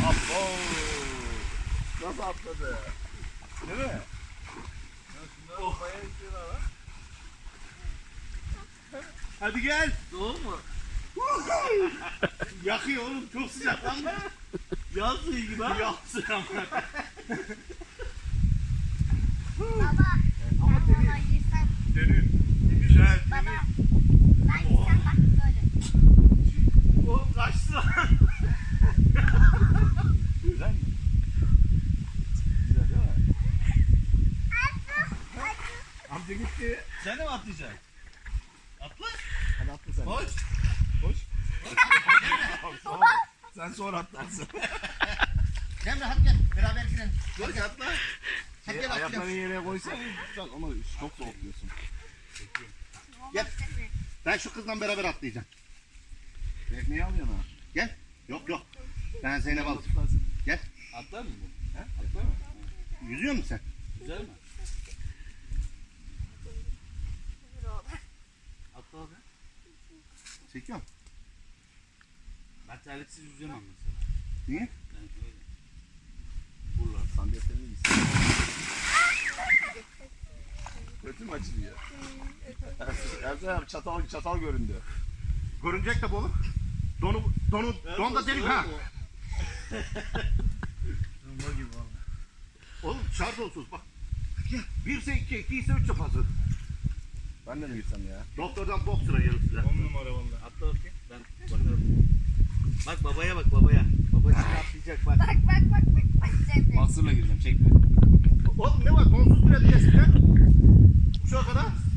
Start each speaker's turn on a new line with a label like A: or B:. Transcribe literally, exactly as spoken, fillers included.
A: Abo. Nasıl atladı? Değil mi? Oh. Hadi gel.
B: Soğuk mu?
A: Yakıyor oğlum, çok sıcak lan.
B: Yaz suyu gibi ha.
A: Yağ suyu ama.
C: Baba,
A: Ama
C: ben
A: temiz.
C: bana girsem.
A: Dönün. Güzel.
C: Baba, ben girsem bak böyle.
A: Oğlum kaçtı lan. Güzel mi? Güzel değil mi? Amca gitti.
B: Sen de mi atlayacaksın? Atla.
A: Hadi atla sen.
B: Koş.
A: Koş. Sonra. Sen sonra atlarsın.
B: Cemre hadi gel. Beraber girelim.
A: Koş atla.
B: Hadi
A: Şey,
B: gel
A: ayaklarını
B: atlayalım.
A: yere koysan sen ama çok soğuk diyorsun.
B: Gel. Ben şu kızla beraber atlayacağım.
A: Tekneyi alıyorsun ha.
B: Gel. Yok yok. Ben Zeynep aldım. Gel.
D: Atlar mı bu?
A: He? Atla mı?
B: Yüzüyor musun sen?
D: Güzel mi? Atla abi.
B: Çekiyorum.
D: Ben terliksiz yüzemem mesela.
B: Niye?
D: Yani öyle.
A: Buralar sandalyelerine gitsin. Kötü mü açılıyor? Ersan abi çatal çatal göründü.
B: Görünecek tabi oğlum. Donu, donu, don da delik ha.
D: Zımba gibi valla.
B: Oğlum şart olsun bak. Bir ise iki, iki ise üç yapasın.
A: Ben de mi gitsem ya?
B: Doktordan bok sıra gelir size.
D: On numara valla. Atla bakayım. Ben bakarım. Bak babaya bak babaya. Baba şimdi atlayacak bak.
C: Bak bak bak bak bak Cemre.
A: Mahsırla gireceğim çekme.
B: Oğlum ne var? Donsuz bile diyeceksin ya. Şu kadar.